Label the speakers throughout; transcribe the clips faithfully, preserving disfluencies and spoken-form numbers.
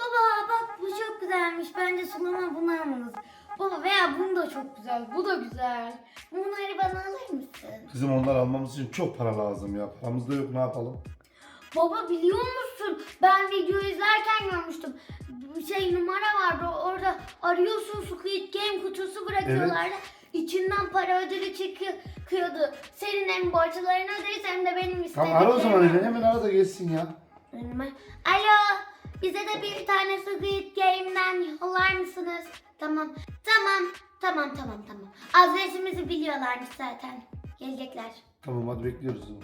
Speaker 1: Baba bak bu çok güzelmiş. Bence Sulama bunu almalıyız. Baba veya bunu da çok güzel. Bu da güzel. Bunları bana alır mısın?
Speaker 2: Kızım onlar almamız için çok para lazım ya. Paramız da yok, ne yapalım?
Speaker 1: Baba biliyor musun? Ben video izlerken görmüştüm. Bir şey numara vardı. Orada arıyorsun, Squid Game kutusu bırakıyorlardı. İçinden para ödülü çıkıyordu. Senin hem borçlarını öderiz hem de benim istediklerimi.
Speaker 2: Tamam ara o zaman Elif. Hemen ara da gelsin ya.
Speaker 1: Alo. Bize de bir tane Squid Game'den yollar mısınız? Tamam. Tamam. Tamam tamam tamam. Adresimizi biliyorlarmış zaten. Gelecekler.
Speaker 2: Tamam hadi bekliyoruz o zaman.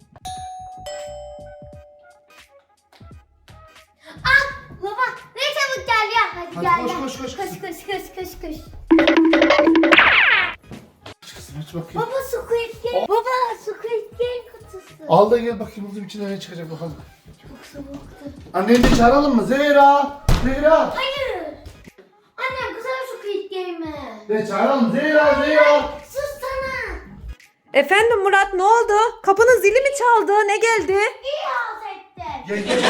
Speaker 1: Ah baba ne çabuk gel ya. Hadi,
Speaker 2: Hadi
Speaker 1: gel
Speaker 2: koş,
Speaker 1: gel.
Speaker 2: koş, koş,
Speaker 1: Koş
Speaker 2: kızım.
Speaker 1: koş koş koş koş.
Speaker 2: Aç kızım aç bakayım.
Speaker 1: Baba Squid Game. Baba Squid Game kutusu.
Speaker 2: Al da gel bakayım kızım, içinden ne çıkacak bakalım.
Speaker 1: Çok soğuktu.
Speaker 2: Anneni de çağıralım mı? Zehra! Zehra!
Speaker 1: Hayır. Annem güzel Squid Game'i.
Speaker 2: Ne çağıralım? Zehra! Zehra!
Speaker 1: Sus sana.
Speaker 3: Efendim Murat, ne oldu? Kapının zili mi çaldı? Ne geldi?
Speaker 1: İyi halt ettin.
Speaker 2: Gel gel.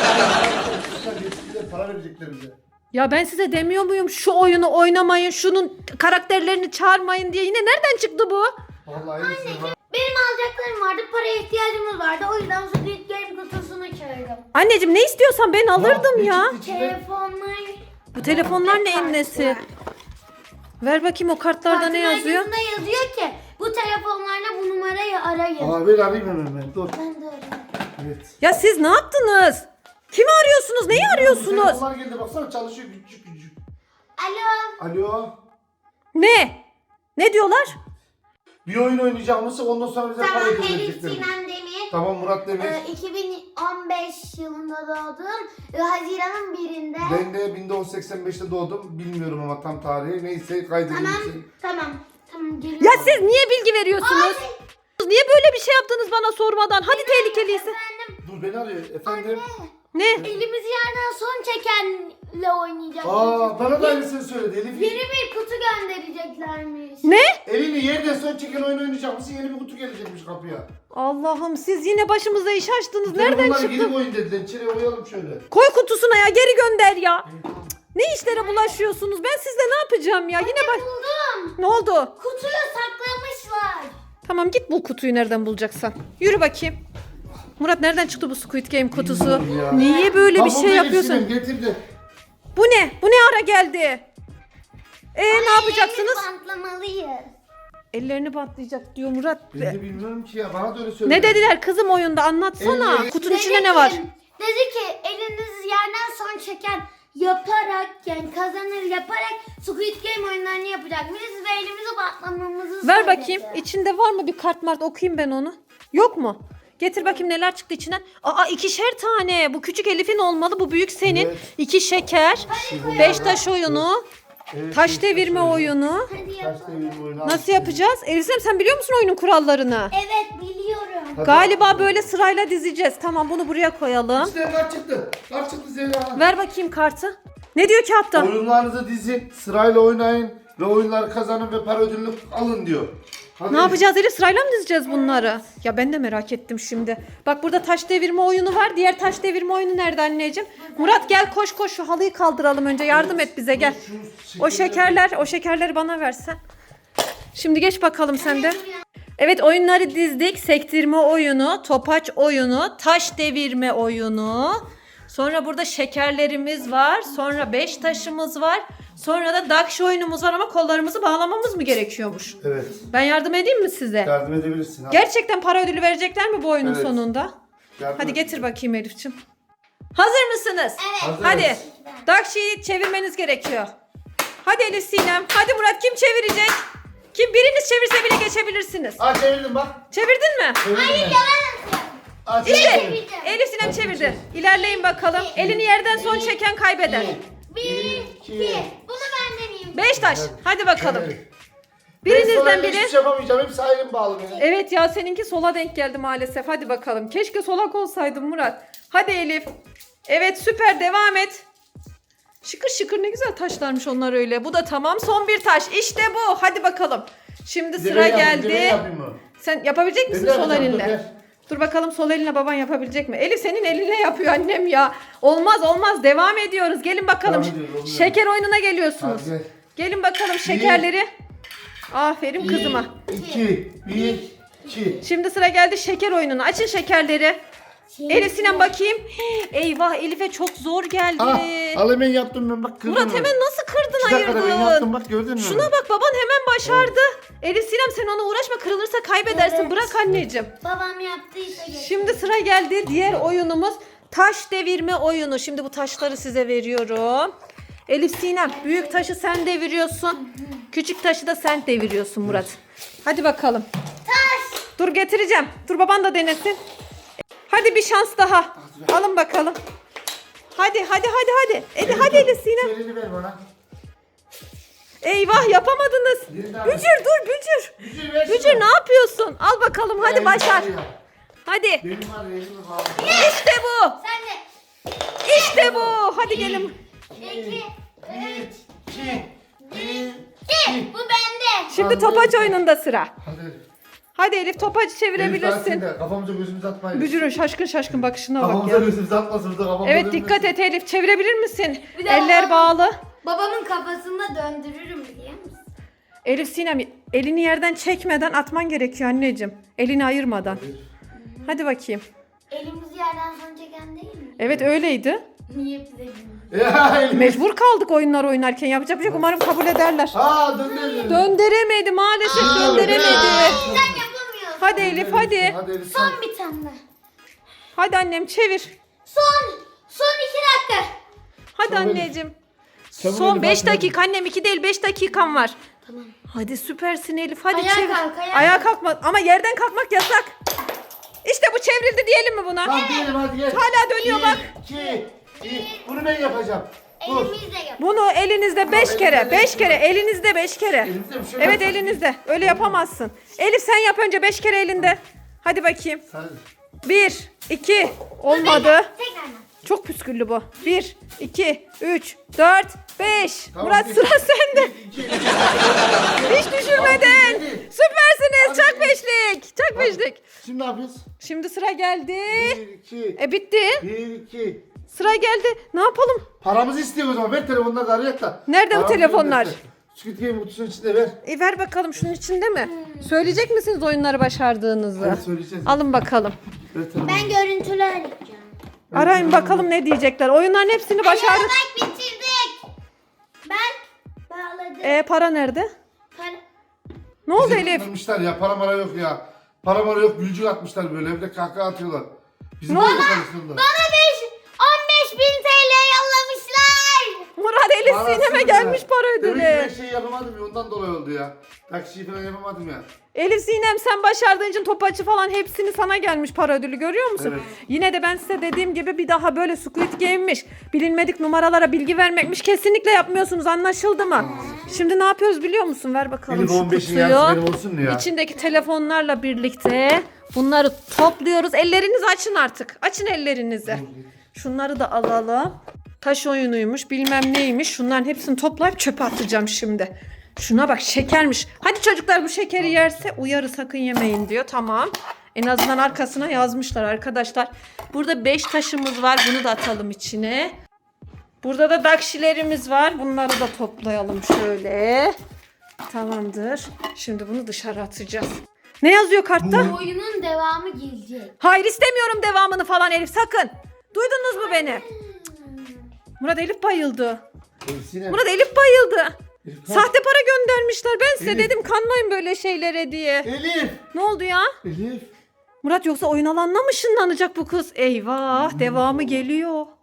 Speaker 2: Kızlar bize para verecekler bize.
Speaker 3: Ya ben size demiyor muyum şu oyunu oynamayın, şunun karakterlerini çağırmayın diye. Yine nereden çıktı bu?
Speaker 2: Vallahi iyisin.
Speaker 1: Benim alacaklarım vardı. Paraya ihtiyacımız vardı. O yüzden Squid Game kutusunu çağırdım.
Speaker 3: Anneciğim ne istiyorsan ben alırdım
Speaker 2: Ne
Speaker 3: ya.
Speaker 2: çıktı içinden?
Speaker 1: Telefonlar.
Speaker 3: Bu telefonlar neyin nesi? Ver bakayım o kartlarda ne yazıyor?
Speaker 1: Kartın yazıyor ki bu telefonlarla bu numarayı arayın.
Speaker 2: Aa ver arayayım hemen ben. Dur.
Speaker 1: Ben de arayayım.
Speaker 2: Evet.
Speaker 3: Ya siz ne yaptınız? Kimi arıyorsunuz? Neyi arıyorsunuz?
Speaker 2: Telefonlar geldi baksana, çalışıyor küçük küçük.
Speaker 1: Alo.
Speaker 2: Alo.
Speaker 3: Ne? Ne diyorlar?
Speaker 2: Bir oyun oynayacağımızı ondan sonra bize para
Speaker 1: Tamam Elif
Speaker 2: verecekler.
Speaker 1: Sinan Demir.
Speaker 2: Tamam Murat Demir.
Speaker 1: Ee, iki bin on beş yılında doğdum. Ee, Haziran'ın birinde.
Speaker 2: Ben de bin dokuz yüz seksen beşte doğdum. Bilmiyorum ama tam tarihi. Neyse kaydedeyim.
Speaker 1: Tamam.
Speaker 2: seni.
Speaker 1: Tamam. Tamam geliyorum.
Speaker 3: Ya siz niye bilgi veriyorsunuz?
Speaker 1: Ay.
Speaker 3: Niye böyle bir şey yaptınız bana sormadan? Hadi tehlikeliyse.
Speaker 1: Efendim.
Speaker 2: Dur beni arıyor efendim.
Speaker 3: Ne?
Speaker 1: Elimizi yerden son çekenle oynayacağız.
Speaker 2: Aa bana da aynısını söyledi Elif.
Speaker 1: Yeni bir kutu göndereceklermiş.
Speaker 3: Ne?
Speaker 2: Elini yerden son çeken oyun oynayacağımızı yeni bir kutu gelecekmiş kapıya.
Speaker 3: Allah'ım siz yine başımıza iş açtınız. Nereden
Speaker 2: Telefonlar
Speaker 3: çıktı?
Speaker 2: geri oyun dediler. İçeri koyalım şöyle.
Speaker 3: Koy kutusuna ya, geri gönder ya. Ne işlere bulaşıyorsunuz? Ben sizle ne yapacağım ya? Yine bak.
Speaker 1: Buldum.
Speaker 3: Ne oldu?
Speaker 1: Kutuyu saklamışlar.
Speaker 3: Tamam git bul kutuyu nereden bulacaksan. Yürü bakayım. Murat nereden çıktı bu Squid Game kutusu?
Speaker 2: Bilmiyorum ya.
Speaker 3: Niye böyle bir
Speaker 2: Tamam,
Speaker 3: şey
Speaker 2: Elif
Speaker 3: yapıyorsun?
Speaker 2: Sinem, getir de.
Speaker 3: Bu ne? Bu ne ara geldi? Ee ne yapacaksınız?
Speaker 1: Elimizi bantlamalıyız.
Speaker 3: Ellerini bantlayacak diyor Murat.
Speaker 2: Ben de bilmiyorum ki ya, bana da öyle söyledi.
Speaker 3: Ne dediler kızım oyunda, anlatsana.
Speaker 2: Elleri-
Speaker 3: Kutunun
Speaker 1: Dedi
Speaker 3: içinde ne
Speaker 1: ki-
Speaker 3: var?
Speaker 1: Dedi ki elinizi yerden son çeken yaparak yani kazanır yaparak Squid Game oyunlarını yapacakmışız ve elimizi bantlamamızı
Speaker 3: Ver
Speaker 1: söyledi.
Speaker 3: bakayım. İçinde var mı bir kart mart, okuyayım ben onu. Yok mu? Getir bakayım neler çıktı içinden. Aa ikişer tane. Bu küçük Elif'in olmalı. Bu büyük senin.
Speaker 2: Evet.
Speaker 3: İki şeker. Beş taş oyunu.
Speaker 2: Evet,
Speaker 3: Taş
Speaker 2: evet,
Speaker 3: devirme
Speaker 2: taş
Speaker 3: oyunu.
Speaker 1: Hadi
Speaker 2: Taş
Speaker 1: yapalım.
Speaker 2: devirme oyunu.
Speaker 3: Nasıl yapacağız? Elif'im sen biliyor musun oyunun kurallarını?
Speaker 1: Evet biliyorum.
Speaker 2: Hadi.
Speaker 3: Galiba böyle sırayla dizeceğiz. Tamam bunu buraya koyalım.
Speaker 2: İşte kart çıktı. Kart çıktı Zehra.
Speaker 3: Ver bakayım kartı. Ne diyor kağıtta?
Speaker 2: Oyunlarınızı dizin, sırayla oynayın ve oyunları kazanın ve para ödülünü alın diyor. Hadi.
Speaker 3: Ne yapacağız Elif? Sırayla mı dizeceğiz bunları? Ya ben de merak ettim şimdi. Bak burada taş devirme oyunu var. Diğer taş devirme oyunu nerede anneciğim? Murat gel koş koş şu halıyı kaldıralım önce. Yardım et bize gel.
Speaker 2: Şu
Speaker 3: O şekerler, o şekerleri bana versen. Şimdi geç bakalım sen de. Evet oyunları dizdik. Sektirme oyunu, topaç oyunu, taş devirme oyunu. Sonra burada şekerlerimiz var. Sonra beş taşımız var. Sonra da dakş oyunumuz var ama kollarımızı bağlamamız mı gerekiyormuş?
Speaker 2: Evet.
Speaker 3: Ben yardım edeyim mi size?
Speaker 2: Yardım edebilirsin. Hadi.
Speaker 3: Gerçekten para ödülü verecekler mi bu oyunun
Speaker 2: Evet.
Speaker 3: sonunda?
Speaker 2: Yardım
Speaker 3: Hadi
Speaker 2: et.
Speaker 3: getir bakayım Elif'ciğim. Hazır mısınız?
Speaker 2: Hazırız.
Speaker 3: Hadi. Dakşi'yi çevirmeniz gerekiyor. Hadi Elif Sinem. Hadi Murat, kim çevirecek? Kim biriniz çevirse bile geçebilirsiniz.
Speaker 2: Aa çevirdim bak.
Speaker 3: Çevirdin mi?
Speaker 2: Çevirdim ben. Aa,
Speaker 3: İşte
Speaker 2: çevirdim.
Speaker 3: Elif Sinem çevirdi. İlerleyin bakalım. Elini yerden son çeken kaybeder.
Speaker 1: Bir, iki. Bunu ben deneyeyim.
Speaker 3: Beş taş. Hadi bakalım.
Speaker 2: Evet. Ben sonra
Speaker 3: Birinizden
Speaker 2: hiçbir
Speaker 3: biri.
Speaker 2: şey yapamayacağım. Hepsi ayrım bağlı benim.
Speaker 3: Evet ya seninki sola denk geldi maalesef. Hadi bakalım. Keşke solak olsaydın Murat. Hadi Elif. Evet süper, devam et. Şıkır şıkır ne güzel taşlarmış onlar öyle. Bu da tamam. Son bir taş. İşte bu. Hadi bakalım. Şimdi
Speaker 2: Bir de
Speaker 3: sıra
Speaker 2: ben yapayım, bir de ben
Speaker 3: geldi.
Speaker 2: yapayım mı?
Speaker 3: Sen yapabilecek misin
Speaker 2: Ben de
Speaker 3: sol
Speaker 2: yapacağım, dur,
Speaker 3: elinle?
Speaker 2: ver.
Speaker 3: Dur bakalım sol eline baban yapabilecek mi? Elif senin elinle yapıyor annem ya. Olmaz olmaz devam ediyoruz. Gelin bakalım.
Speaker 2: Devam ediyoruz, olmuyor.
Speaker 3: Şeker oyununa geliyorsunuz.
Speaker 2: Hadi gel.
Speaker 3: Gelin bakalım şekerleri. Aferin kızıma.
Speaker 2: İki, bir, iki.
Speaker 3: Şimdi sıra geldi şeker oyununa. Açın şekerleri.
Speaker 1: Şimdi-
Speaker 3: Elif Sinem bakayım. Eyvah Elif'e çok zor geldi.
Speaker 2: Ah, al hemen yaptım ben bak kırdım.
Speaker 3: Murat hemen nasıl kırdın
Speaker 2: Bir dakikada ben
Speaker 3: ayırdın?
Speaker 2: yaptım bak gördün mü?
Speaker 3: Şuna bak baban hemen başardı. Elif Sinem sen ona uğraşma kırılırsa kaybedersin.
Speaker 1: Evet.
Speaker 3: Bırak anneciğim.
Speaker 1: Babam yaptıysa geç.
Speaker 3: Şimdi sıra geldi diğer oyunumuz taş devirme oyunu. Şimdi bu taşları size veriyorum. Elif Sinem büyük taşı sen deviriyorsun. Küçük taşı da sen deviriyorsun Murat. Hadi bakalım.
Speaker 1: Taş.
Speaker 3: Dur getireceğim. Dur baban da denesin. Hadi bir şans daha. Alın bakalım. Hadi hadi hadi hadi. Hadi hadi Elif Sinem.
Speaker 2: Elini ver bana.
Speaker 3: Eyvah yapamadınız.
Speaker 2: Bir daha.
Speaker 3: Bücür dur Bücür.
Speaker 2: Bücür ver
Speaker 3: Bücür
Speaker 2: şunu.
Speaker 3: ne yapıyorsun? Al bakalım hadi
Speaker 2: Elini
Speaker 3: başar.
Speaker 2: ver ya.
Speaker 3: Hadi.
Speaker 2: Benim var ya, elimi bağlı.
Speaker 3: İşte bu.
Speaker 1: Sen de.
Speaker 3: İşte bu. Hadi gelin.
Speaker 1: İki.
Speaker 2: Bir, iki, bir,
Speaker 1: İki. Bu bende.
Speaker 3: Şimdi
Speaker 2: Hadi.
Speaker 3: topaç oyununda sıra.
Speaker 2: Hadi.
Speaker 3: Hadi Elif topaç
Speaker 2: Elif, daha
Speaker 3: çevirebilirsin.
Speaker 2: sen de. Kafamıza gözümüzü atmayın.
Speaker 3: Bücür'ün şaşkın şaşkın bakışına bak
Speaker 2: Kafamıza
Speaker 3: ya.
Speaker 2: gözümüzü atmasın burada kafamıza
Speaker 3: Evet
Speaker 2: dönmesin.
Speaker 3: dikkat et Elif çevirebilir misin?
Speaker 1: Bir de
Speaker 3: Eller
Speaker 1: babam-
Speaker 3: bağlı.
Speaker 1: Babamın kafasında döndürürüm biliyor musun?
Speaker 3: Elif Sinem elini yerden çekmeden atman gerekiyor anneciğim. Elini ayırmadan. Hadi bakayım.
Speaker 1: Elimizi yerden son çeken değil mi?
Speaker 3: Evet öyleydi.
Speaker 1: Niye bize gülüyor?
Speaker 2: Ya elim.
Speaker 3: Mecbur kaldık oyunlar oynarken. Yapacak bir şey yok. Umarım kabul ederler.
Speaker 2: Aa döndü.
Speaker 3: Döndüremedi maalesef
Speaker 2: Aa,
Speaker 3: döndüremedi.
Speaker 1: Sen yapamıyorsun.
Speaker 3: Hadi Elif hadi.
Speaker 2: Hadi Elif sen.
Speaker 1: Son bir tane.
Speaker 3: Hadi annem çevir.
Speaker 1: Son. Son iki dakika.
Speaker 3: Hadi
Speaker 2: Çabuk Elif.
Speaker 3: anneciğim.
Speaker 2: Çabuk
Speaker 3: Son
Speaker 2: Elif,
Speaker 3: beş
Speaker 2: hadi.
Speaker 3: dakika annem iki değil beş dakikan var.
Speaker 1: Tamam.
Speaker 3: Hadi süpersin Elif hadi
Speaker 1: Ayağa
Speaker 3: çevir.
Speaker 1: kalk, ayağa
Speaker 3: Ayağa
Speaker 1: kalk.
Speaker 3: kalkma ama yerden kalkmak yasak. İşte bu çevrildi diyelim mi buna?
Speaker 2: Tamam diyelim hadi gel.
Speaker 3: Hala dönüyor
Speaker 2: Bir,
Speaker 3: bak.
Speaker 2: iki, bir. Bunu ben yapacağım. Dur.
Speaker 1: Elimizle yap.
Speaker 3: Bunu elinizde beş
Speaker 2: Tamam,
Speaker 3: kere,
Speaker 2: elinizde
Speaker 3: beş
Speaker 2: beş
Speaker 3: kere, elinizde beş kere.
Speaker 2: Elimizde bir şey
Speaker 3: Evet
Speaker 2: yok.
Speaker 3: elinizde. Öyle yapamazsın. Elif sen yap önce beş kere elinde. Hadi bakayım.
Speaker 2: Hadi.
Speaker 3: Bir, iki, olmadı.
Speaker 1: Tekrardan.
Speaker 3: Çok püsküllü bu. Bir, iki, üç, dört, beş.
Speaker 2: Tamam,
Speaker 3: Murat
Speaker 2: bir-
Speaker 3: sıra sende.
Speaker 2: İki.
Speaker 3: Hiç düşürmedin.
Speaker 2: Hadi.
Speaker 3: Süpersiniz.
Speaker 2: Hadi.
Speaker 3: Çak beşlik. Çak beşlik.
Speaker 2: Şimdi ne yapıyoruz?
Speaker 3: Şimdi sıra geldi.
Speaker 2: Bir, iki.
Speaker 3: E bitti.
Speaker 2: Bir, iki.
Speaker 3: Sıra geldi. Ne yapalım?
Speaker 2: Paramızı istiyor o zaman. Ver telefonları da arayak da.
Speaker 3: Nerede bu
Speaker 2: Paramızı
Speaker 3: telefonlar?
Speaker 2: gönder. Squid Game kutusunun içinde ver.
Speaker 3: E ver bakalım şunun içinde mi? Söyleyecek misiniz oyunları başardığınızı?
Speaker 2: Evet söyleyeceğiz.
Speaker 3: Alın bakalım.
Speaker 2: Ver telefonu.
Speaker 1: Ben görüntüler yapacağım.
Speaker 3: Arayın bakalım ne diyecekler. Oyunların hepsini başardık.
Speaker 1: Bak bitirdik. Ben bağladım.
Speaker 3: E para nerede?
Speaker 1: Para-
Speaker 3: Ne oldu
Speaker 2: Bizi
Speaker 3: Elif?
Speaker 2: kandırmışlar ya. Para mara yok ya. Para mara yok. Gülcük atmışlar böyle. Bir de kahkaha atıyorlar. Bizim
Speaker 3: Ne
Speaker 2: böyle
Speaker 3: oldu?
Speaker 2: konuşuyorlar.
Speaker 1: Bana beş, on beş bin T L yollamışlar.
Speaker 3: Murat Elif
Speaker 2: Parasız
Speaker 3: Sinem'e
Speaker 2: ya.
Speaker 3: gelmiş para
Speaker 2: Demek ki ben
Speaker 3: ödülü.
Speaker 2: şey yapamadım ya. Ondan dolayı oldu ya. Taksiyi falan yapamadım ya.
Speaker 3: Elif Sinem sen başardığın için topaçı falan hepsini sana gelmiş para ödülü görüyor musun?
Speaker 2: Evet.
Speaker 3: Yine de ben size dediğim gibi bir daha böyle Squid Game'miş, bilinmedik numaralara bilgi vermekmiş kesinlikle yapmıyorsunuz anlaşıldı mı? Şimdi ne yapıyoruz biliyor musun? Ver bakalım
Speaker 2: Elif
Speaker 3: şu
Speaker 2: on beşin
Speaker 3: kutuyu.
Speaker 2: yarısı benim olsun mu ya?
Speaker 3: İçindeki telefonlarla birlikte bunları topluyoruz. Ellerinizi açın artık. Açın ellerinizi. Şunları da alalım. Taş oyunuymuş bilmem neymiş. Şunların hepsini toplayıp çöpe atacağım şimdi. Şuna bak şekermiş. Hadi çocuklar bu şekeri yerse uyarı sakın yemeyin diyor. Tamam. En azından arkasına yazmışlar arkadaşlar. Burada beş taşımız var. Bunu da atalım içine. Burada da dakşilerimiz var. Bunları da toplayalım şöyle. Tamamdır. Şimdi bunu dışarı atacağız. Ne yazıyor kartta?
Speaker 1: Oyunun devamı gelecek.
Speaker 3: Hayır istemiyorum devamını falan Elif sakın. Duydunuz mu beni? Murat Elif bayıldı.
Speaker 2: Elif Sinem.
Speaker 3: Murat Elif bayıldı.
Speaker 2: Elif, kalk.
Speaker 3: Sahte para göndermişler. Ben size
Speaker 2: Elif.
Speaker 3: dedim kanmayın böyle şeylere diye.
Speaker 2: Elif.
Speaker 3: Ne oldu ya?
Speaker 2: Elif.
Speaker 3: Murat yoksa oyun alanına mı ışınlanacak bu kız? Eyvah devamı geliyor.